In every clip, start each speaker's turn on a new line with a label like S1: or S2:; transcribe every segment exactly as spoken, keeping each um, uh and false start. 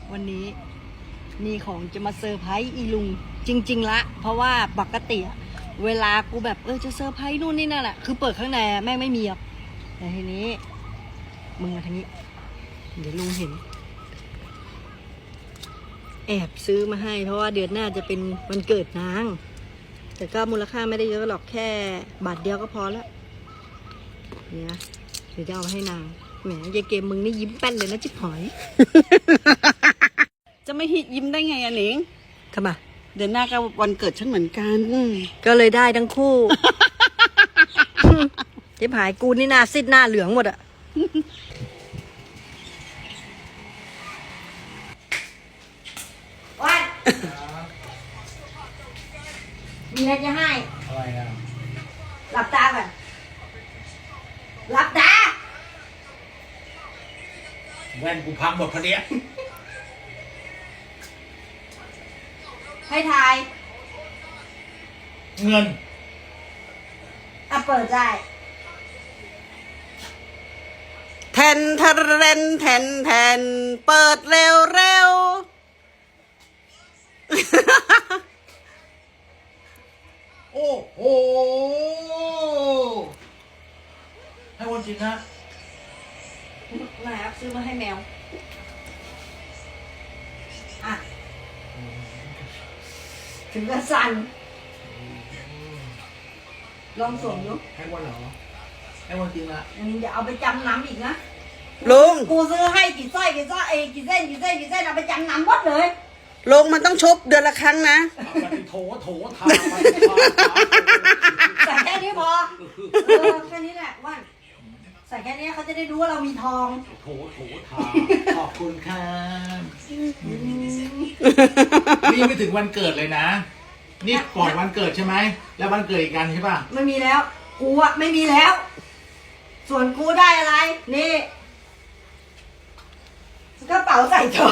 S1: วันนี้มีของจะมาเซอร์ไพรส์อีลุงจริงๆละเพราะว่าปกติอะเวลากูแบบเออจะเซอร์ไพรส์นู่นนี่นั่นแหละคือเปิดข้างในแม่งไม่มีอ่ะแต่ทีนี้มึงมาทางนี้เดี๋ยวลุงเห็นแอบซื้อมาให้เพราะว่าเดือนหน้าจะเป็นวันเกิดนางแต่ก็มูลค่าไม่ได้เยอะหรอกแค่บาทเดียวก็พอแล้วเนี่ยเดี๋ยวจะเอามาให้นางแหมยายเกมมึงนี่ยิ้มแป้นเลยนะจิ๊บหอย
S2: จะไม่ยิ้มได้ไงอะหนิง
S1: ทำไม
S2: เดือนหน้าก็วันเกิดฉันเหมือนกัน
S1: ก็เลยได้ทั้งคู่ จิ๊บหายกูนี่หน้าซิดหน้าเหลืองหมดอะวันมีอะไรจะให้
S3: อะไรนะ
S1: หลับตาก่อนหลับตา
S3: แว่นกูพังหมดพอดี
S1: ให้ทาย
S3: เงิน
S1: อ่ะเปิดได้
S2: แทนทะเรนแทนแทนเปิดเร็วเร็ว
S3: โอ้โหให้วันจริงนะ
S1: นะครับซื้อมาให้แมว อ่ะ ถึงกระสัน ลองส่งดู
S3: ให้วันเหรอให้วันจริงละ
S1: มึงอย่าเอาไปจำนำอีกนะ
S2: ลุง
S1: กูซื้อให้กี่สร้อยกี่สร้อยเอ้ยกี่เส้นกี่เส้นกี่เส้นเอาไปจำนำหมดเลย
S2: ลุงมันต้องชบเดือนละครั้งนะ
S3: เอาไปโถโถทาไปทา
S1: ใส่แค่นี้พอ เออแค่นี้แหละว่านใส่แค่นี้เขาจะได้รู้ว่าเรามีทอง
S3: โถโถทาขอบคุณค่ะนี่ไม่ถึงวันเกิดเลยนะ นี่ก่อนวันเกิดใช่ไหมแล้ววันเกิดอีกกันใช่ป่ะ
S1: ไม่มีแล้ว กูอะไม่มีแล้ว ส่วนกูได้อะไร นี่กระเป๋าใส่ทอง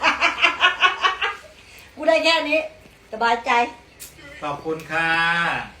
S1: กูได้แค่นี้ สบายใจ
S3: ขอบคุณค่ะ